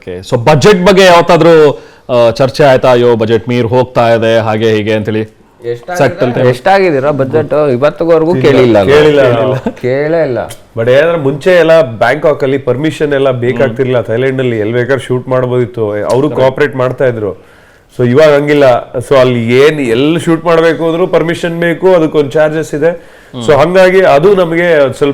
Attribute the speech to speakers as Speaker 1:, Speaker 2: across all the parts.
Speaker 1: Okay. So budget ಬಗ್ಗೆ ಯಾವತ್ತಾದ್ರೂ ಚರ್ಚೆ ಆಯ್ತಾ? ಅಯ್ಯೋ ಬಜೆಟ್ ಮೀರ್ ಹೋಗ್ತಾ ಇದೆ ಹಾಗೆ ಹೀಗೆ ಅಂತೇಳಿ.
Speaker 2: ಎಷ್ಟಾಗಿದ್ದೀರಾ ಬಜೆಟ್? ಇವತ್ತಿವರೆಗೂ ಕೇಳೇ ಇಲ್ಲ.
Speaker 3: ಬಟ್ ಏನಾದ್ರೆ ಮುಂಚೆ ಎಲ್ಲ ಬ್ಯಾಂಕಾಕ್ ಅಲ್ಲಿ ಪರ್ಮಿಷನ್ ಎಲ್ಲ ಬೇಕಾಗ್ತಿರ್ಲಿಲ್ಲ. ಥೈಲ್ಯಾಂಡ್ ಅಲ್ಲಿ ಎಲ್ಲಿ ಬೇಕಾದ್ರೆ ಶೂಟ್ ಮಾಡಬಹುದಿತ್ತು, ಅವರು ಕೋಆಪರೇಟ್ ಮಾಡ್ತಾ ಇದ್ರು. ಸೊ ಇವಾಗ ಹಂಗಿಲ್ಲ. ಸೊ ಅಲ್ಲಿ ಎಲ್ಲಿ ಶೂಟ್ ಮಾಡ್ಬೇಕು ಅಂದ್ರೂ ಪರ್ಮಿಷನ್ ಬೇಕು, ಅದಕ್ಕೊಂದು ಚಾರ್ಜಸ್ ಇದೆ. ಸೊ ಹಂಗಾಗಿ ಅದು ನಮಗೆ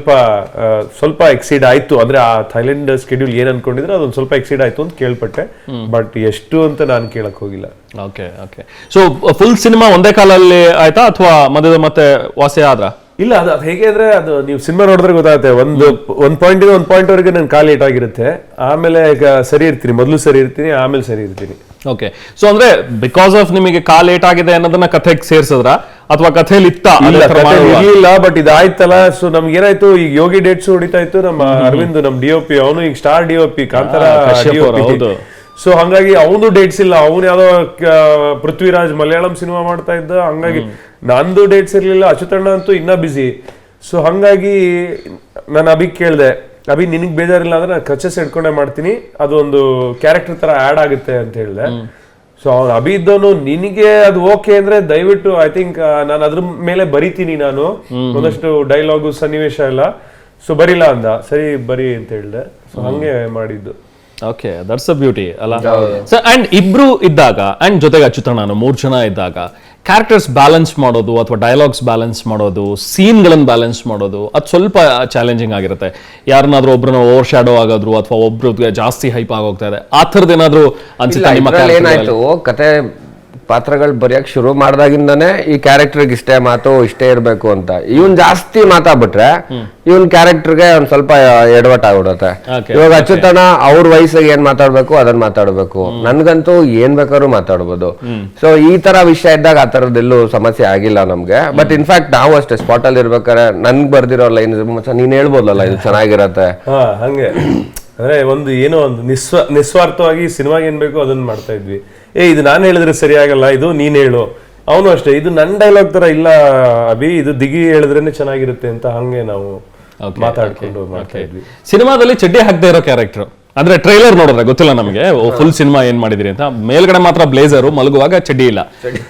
Speaker 3: ಸ್ವಲ್ಪ ಎಕ್ಸೀಡ್ ಆಯ್ತು. ಅಂದ್ರೆ ಆ ಥೈಲ್ಯಾಂಡ್ ಸ್ಕೆಡ್ಯೂಲ್ ಏನ್ ಅನ್ಕೊಂಡಿದ್ರೆ ಅದೊಂದು ಸ್ವಲ್ಪ ಎಕ್ಸೀಡ್ ಆಯ್ತು ಅಂತ ಕೇಳ್ಪಟ್ಟೆ. ಬಟ್ ಎಷ್ಟು ಅಂತ ನಾನು ಕೇಳಕ್ ಹೋಗಿಲ್ಲ.
Speaker 1: Okay okay. So full cinema ಒಂದೇ ಕಾಲಲ್ಲಿ ಆಯ್ತಾ ಅಥವಾ ಮಧ್ಯದ ಮತ್ತೆ ವಾಸಿ ಆದ್ರ?
Speaker 3: ಇಲ್ಲ, ಅದು ಹೇಗೆ ಅಂದ್ರೆ ಅದು ನೀವು ಸಿನಿಮಾ ನೋಡಿದ್ರೆ ಗೊತ್ತಾಗುತ್ತೆ. ಒಂದ್ ಪಾಯಿಂಟ್ ವರೆಗೆ ನನ್ ಕಾಲ್ ಲೇಟ್ ಆಗಿರುತ್ತೆ, ಆಮೇಲೆ ಈಗ ಸರಿ ಇರ್ತೀನಿ, ಮೊದಲು ಸರಿ ಇರ್ತೀನಿ, ಆಮೇಲೆ ಸರಿ ಇರ್ತೀನಿ.
Speaker 1: ಓಕೆ. ಸೊ ಅಂದ್ರೆ ಬಿಕಾಸ್ ಆಫ್ ನಿಮಗೆ ಕಾಲ್ ಲೇಟ್ ಆಗಿದೆ ಅನ್ನೋದನ್ನ ಕಥೆಗೆ ಸೇರ್ಸಿದ್ರ ಅಥವಾ ಕಥೆಯಲ್ಲಿ
Speaker 3: ಇರ್ಲಿಲ್ಲ? ಬಟ್ ಇದಾಯ್ತಲ್ಲ. ಸೊ ನಮ್ಗೆ ಏನಾಯ್ತು, ಈಗ ಯೋಗಿ ಡೇಟ್ಸ್ ಹೊಡಿತಾ ಇತ್ತು. ನಮ್ಮ ಅರವಿಂದ್, ನಮ್ DOP, ಅವನು ಈಗ star DOP, Kantara DOP. So ಹಂಗಾಗಿ ಅವನು ಡೇಟ್ಸ್ ಇಲ್ಲ. ಅವನು ಯಾವ್ದೋ ಪೃಥ್ವಿರಾಜ್ ಮಲಯಾಳಂ ಸಿನಿಮಾ ಮಾಡ್ತಾ ಇದ್ದ. ಹಂಗಾಗಿ ನಂದು ಡೇಟ್ಸ್ ಇರ್ಲಿಲ್ಲ. ಅಚ್ಯುತಣ್ಣ ಅಂತೂ ಇನ್ನ ಬಿಸಿ. ಸೊ ಹಂಗಾಗಿ ನಾನು ಅಭಿಗ್ ಕೇಳ್ದೆ, ಅಭಿ ನಿನಗ್ ಬೇಜಾರಿಲ್ಲ ಅಂದ್ರೆ ನಾನು ಕ್ರಚಸ್ ಹಿಡ್ಕೊಂಡೆ ಮಾಡ್ತೀನಿ, ಅದೊಂದು ಕ್ಯಾರೆಕ್ಟರ್ ತರ ಆಡ್ ಆಗುತ್ತೆ ಅಂತ ಹೇಳಿದೆ. ಸೊ ಅವ್ನು ಅಭಿ ಇದ್ದವನು, ನಿನಗೆ ಅದು ಓಕೆ ಅಂದ್ರೆ ದಯವಿಟ್ಟು ಐ ಥಿಂಕ್ ನಾನು ಅದ್ರ ಮೇಲೆ ಬರಿತೀನಿ, ನಾನು ಒಂದಷ್ಟು ಡೈಲಾಗು ಸನ್ನಿವೇಶ ಎಲ್ಲ. ಸೊ ಬರಿಲ್ಲ ಅಂದ. ಸರಿ ಬರಿ ಅಂತ ಹೇಳಿದೆ. ಸೊ ಹಂಗೆ ಮಾಡಿದ್ದು.
Speaker 1: ಓಕೆ, ದಟ್ಸ್ ಅ ಬ್ಯೂಟಿ ಅಲ್ಲ. ಸೊ ಅಂಡ್ ಇಬ್ರು ಇದ್ದಾಗ ಅಂಡ್ ಜೊತೆಗೆ ಅಚ್ಯುತಣ್ಣ 3 ಜನ ಇದ್ದಾಗ ಕ್ಯಾರೆಕ್ಟರ್ಸ್ ಬ್ಯಾಲೆನ್ಸ್ ಮಾಡೋದು ಅಥವಾ ಡೈಲಾಗ್ಸ್ ಬ್ಯಾಲೆನ್ಸ್ ಮಾಡೋದು, ಸೀನ್ಗಳನ್ನು ಬ್ಯಾಲೆನ್ಸ್ ಮಾಡೋದು, ಅದು ಸ್ವಲ್ಪ ಚಾಲೆಂಜಿಂಗ್ ಆಗಿರುತ್ತೆ. ಯಾರನ್ನಾದ್ರೂ ಒಬ್ರನ್ನ ಓವರ್ ಶ್ಯಾಡೋ ಆಗೋದ್ರು ಅಥವಾ ಒಬ್ರಿಗೆ ಜಾಸ್ತಿ ಹೈಪ್ ಆಗೋಗ್ತಾ ಇದೆ, ಆ ಥರದ್ದು ಏನಾದ್ರು ಅನ್ಸುತ್ತೆ ನಿಮ್ಮ?
Speaker 2: ಏನಾಯ್ತು, ಕತೆ ಪಾತ್ರಗಳು ಬರೆಯಕ್ ಶುರು ಮಾಡ್ದಾಗಿಂದಾನೆ ಈ ಕ್ಯಾರೆಕ್ಟರ್ಗೆ ಇಷ್ಟೇ ಮಾತು, ಇಷ್ಟೇ ಇರ್ಬೇಕು ಅಂತ. ಇವನ್ ಜಾಸ್ತಿ ಮಾತಾಡ್ಬಿಟ್ರೆ ಇವನ್ ಕ್ಯಾರೆಕ್ಟರ್ಗೆ ಒಂದ್ ಸ್ವಲ್ಪ ಎಡವಟ್ ಆಗ್ಬಿಡುತ್ತೆ. ಇವಾಗ ಅಚ್ಯುತಣ್ಣ ಅವ್ರ ವಯಸ್ಸಿಗೆ ಏನ್ ಮಾತಾಡ್ಬೇಕು ಅದನ್ನ ಮಾತಾಡ್ಬೇಕು, ನನ್ಗಂತೂ ಏನ್ ಬೇಕಾದ್ರೂ ಮಾತಾಡ್ಬೋದು. ಸೊ ಈ ತರ ವಿಷಯ ಇದ್ದಾಗ ಆ ತರದ್ದೆಲ್ಲೂ ಸಮಸ್ಯೆ ಆಗಿಲ್ಲ ನಮ್ಗೆ. ಬಟ್ ಇನ್ಫ್ಯಾಕ್ಟ್ ನಾವು ಅಷ್ಟೇ ಸ್ಪಾಟ್ ಅಲ್ಲಿ ಇರ್ಬೇಕಾದ್ರೆ ನನ್ಗ್ ಬರ್ದಿರೋ ಲೈನ್ ನೀನ್ ಹೇಳ್ಬೋದಲ್ಲ ಇದು ಚೆನ್ನಾಗಿರತ್ತೆ
Speaker 3: ಹಂಗೆ. ಅಂದ್ರೆ ಏನೋ ಒಂದು ನಿಸ್ವಾರ್ಥವಾಗಿ ಸಿನಿಮಾಗೆ ಏನ್ ಬೇಕು ಅದನ್ನ ಮಾಡ್ತಾ ಇದ್ವಿ. ಇದು ನಾನು ಹೇಳಿದ್ರೆ ಸರಿ ಆಗಲ್ಲ, ಇದು ನೀನ್ ಹೇಳು. ಅವನು ಅಷ್ಟೇ, ಇದು ನನ್ನ ಡೈಲಾಗ್ ತರ ಇಲ್ಲ ಅಭಿ, ಇದು ದಿಗಿ ಹೇಳಿದ್ರೇನೆ ಚೆನ್ನಾಗಿರುತ್ತೆ ಅಂತ ಹಂಗೆ ನಾವು ಮಾತಾಡ್ಕೊಂಡು ಮಾಡ್ತಾ ಇದ್ವಿ.
Speaker 1: ಸಿನಿಮಾದಲ್ಲಿ ಚಡ್ಡಿ ಹಾಕದೇ ಇರೋ ಕ್ಯಾರೆಕ್ಟರ್ ಅಂದ್ರೆ ಟ್ರೈಲರ್ ನೋಡಿದ್ರೆ ಗೊತ್ತಿಲ್ಲ ನಮಗೆ ಫುಲ್ ಸಿನಿಮಾ ಏನ್ ಮಾಡಿದಿರಿ ಅಂತ. ಮೇಲ್ಗಡೆ ಮಾತ್ರ ಬ್ಲೇಸರು, ಮಲಗುವಾಗ ಚಡ್ಡಿ ಇಲ್ಲ.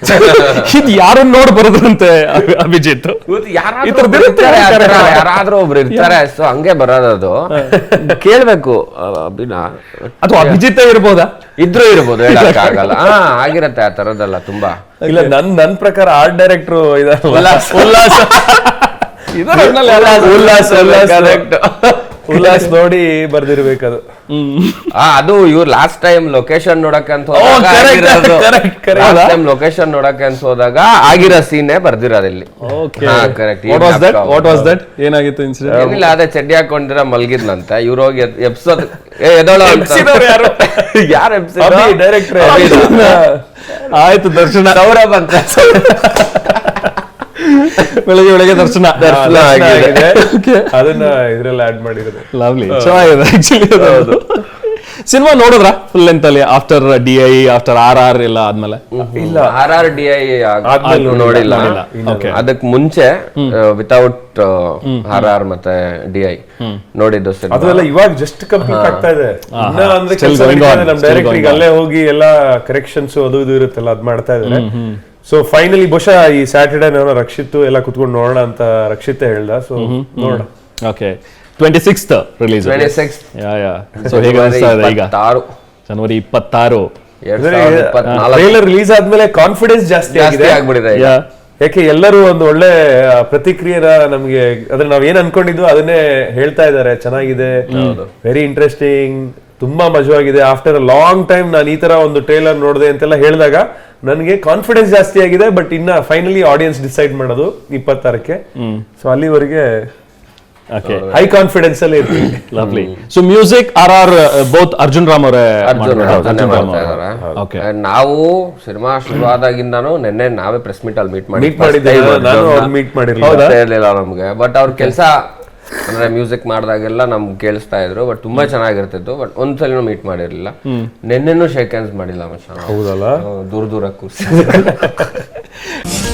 Speaker 1: ಇದು ಯಾರನ್ನ ನೋಡಿ ಬರೋದಂತೆ ಅಭಿಜಿತ್?
Speaker 2: ಯಾರಾದ್ರೂ ಒಬ್ರು ಇರ್ತಾರೆ, ಸೊ ಹಂಗೆ ಬರೋದದು. ಕೇಳ್ಬೇಕು ಅಭಿನಾ
Speaker 1: ಅಥವಾ ಅಭಿಜಿತ್ ಇರ್ಬೋದಾ?
Speaker 2: ಇದ್ರೂ ಇರ್ಬೋದು, ಹೇಳಕ್ಕಾಗಲ್ಲ. ಆಗಿರತ್ತೆ ಆ ತರದೆಲ್ಲ ತುಂಬಾ.
Speaker 3: ಇಲ್ಲ, ನನ್ ಪ್ರಕಾರ ಆರ್ಟ್ ಡೈರೆಕ್ಟ್ರು ಉಲ್ಲಾಸ್ ನೋಡಿ ಬರ್ದಿರ್ಬೇಕದು.
Speaker 2: ಅದು ಇವ್ರು ಲಾಸ್ಟ್ ಟೈಮ್ ಲೊಕೇಶನ್ ನೋಡಕ್ಕೆ ಅಂತ ಹೋದಾಗ ಆಗಿರೋ ಸೀನೇ ಬರ್ದಿರೋದಿಲ್ಲಿ.
Speaker 1: ಏನಾಗಿತ್ತು ಇನ್ಸಿಡೆಂಟ್?
Speaker 2: ಇಲ್ಲ, ಅದೇ ಚಡ್ಡಿ ಹಾಕೊಂಡಿರ ಮಲ್ಗಿದ್ನಂತೆ. ಇವ್ರು ಹೋಗಿ ಎಪ್ಸೋದ್ ಎದೋಳು ಯಾರು
Speaker 3: ಡೈರೆಕ್ಟರ್
Speaker 1: ಆಯ್ತು ದರ್ಶನ
Speaker 3: ಸೌರಭ್ ಅಂತ
Speaker 1: ಬೆಳಗ್ಗೆ ದರ್ಶನ
Speaker 3: ಆಗಿದೆ. ಅದನ್ನ ಇದ್ರಲ್ಲಿ ಆಡ್ ಮಾಡಿರೋದು.
Speaker 1: ಲವ್ಲಿ, ಚೆನ್ನಾಗಿದೆ ಆಕ್ಚುಲಿ. ಸಿನಿಮಾ ನೋಡಿದ್ರ ಫುಲ್ ಲೆಂತ್ ಅಲ್ಲಿ ಆಫ್ಟರ್ DI ಆಫ್ಟರ್ RR ಎಲ್ಲ ಆದ್ಮೇಲೆ?
Speaker 2: ಇಲ್ಲ, RR DI ನೋಡಿಲ್ಲ. ಅದಕ್ ಮುಂಚೆ ವಿತೌಟ್ RR ಮತ್ತೆ DI ನೋಡಿದ್ದು.
Speaker 3: ಅದೆಲ್ಲ ಇವಾಗ ಜಸ್ಟ್ ಕಂಪ್ಲೀಟ್ ಆಗ್ತಾ ಇದೆ. ನಮ್ ಡೈರೆಕ್ಟರ್ ಅಲ್ಲೇ ಹೋಗಿ ಎಲ್ಲ ಕರೆಕ್ಷನ್ಸ್ ಅದು ಇದು ಇರುತ್ತಲ್ಲ ಅದ್ ಮಾಡ್ತಾ ಇದ್ದಾರೆ. ಸೊ ಫೈನಲಿ ಬಹುಶಃ ಈ ಸ್ಯಾಟರ್ಡೇ ನಾನು ರಕ್ಷಿತ್ ಎಲ್ಲ ಕುತ್ಕೊಂಡು ನೋಡೋಣ ಅಂತ ರಕ್ಷಿತ್ ಹೇಳ್ದ. ಸೊ ನೋಡೋಣ.
Speaker 1: Okay, 26th release.
Speaker 2: 26
Speaker 1: ಸೊ ಹೇಗೆ ಅನಿಸ್ತಾ ಇದೆ ಈಗ? ಜನವರಿ 26
Speaker 3: ಟ್ರೈಲರ್ ರಿಲೀಸ್ ಆದ್ಮೇಲೆ ಕಾನ್ಫಿಡೆನ್ಸ್ ಜಾಸ್ತಿ
Speaker 2: ಆಗ್ಬಿಟ್ಟಿದೆ.
Speaker 3: ಯಾಕೆ ಎಲ್ಲರೂ ಒಂದು ಒಳ್ಳೆ ಪ್ರತಿಕ್ರಿಯೆನ ನಮ್ಗೆ, ಅದ್ರ ನಾವ್ ಏನ್ ಅನ್ಕೊಂಡಿದ್ವು ಅದನ್ನೇ ಹೇಳ್ತಾ ಇದಾರೆ. ಚೆನ್ನಾಗಿದೆ, ವೆರಿ ಇಂಟ್ರೆಸ್ಟಿಂಗ್, ತುಂಬಾ ಮಜವಾಗಿದೆ. ಆಫ್ಟರ್ ಅ ಲಾಂಗ್ ಟೈಮ್ ನಾನು ಈ ತರ ಒಂದು ಟ್ರೈಲರ್ ನೋಡಿದೆ ಅಂತೆಲ್ಲ ಹೇಳಿದಾಗ ನನಗೆ ಕಾನ್ಫಿಡೆನ್ಸ್ ಜಾಸ್ತಿ ಆಗಿದೆ. ಬಟ್ ಇನ್ನ ಫೈನಲಿ ಆಡಿಯನ್ಸ್ ಡಿಸೈಡ್ ಮಾಡೋದು 26ಕ್ಕೆ. ಸೊ ಅಲ್ಲಿವರೆಗೆ ಹೈ ಕಾನ್ಫಿಡೆನ್ಸ್ ಅಲ್ಲೇ ಇರ್ತೀವಿ.
Speaker 1: Lovely. So music RR both Arjun Ram ಅವರೇ.
Speaker 2: ನಾವು ಸಿನಿಮಾ ಶುರು ಆದಾಗಿಂದಾನು ನಿನ್ನೆ ನಾವೇ ಪ್ರೆಸ್ ಮೀಟ್ ಅಲ್ಲಿ ಮೀಟ್ ಮಾಡಿರ್ಲಿಲ್ಲ ನಮ್ಗೆ. ಬಟ್ ಅವ್ರ ಕೆಲಸ ಅಂದ್ರೆ ಮ್ಯೂಸಿಕ್ ಮಾಡಿದಾಗೆಲ್ಲ ನಮ್ಗೆ ಕೇಳಿಸ್ತಾ ಇದ್ರು. ಬಟ್ ತುಂಬಾ ಚೆನ್ನಾಗಿರ್ತಿತ್ತು. ಬಟ್ ಒಂದ್ಸಲಿನೂ ಮೀಟ್ ಮಾಡಿರ್ಲಿಲ್ಲ. ನಿನ್ನೆನೂ ಶೇಕ್ ಹ್ಯಾಂಡ್ಸ್ ಮಾಡಿಲ್ಲ.
Speaker 3: ಹೌದಲ್ಲ,
Speaker 2: ದೂರ ಕೂರ್ಸಿ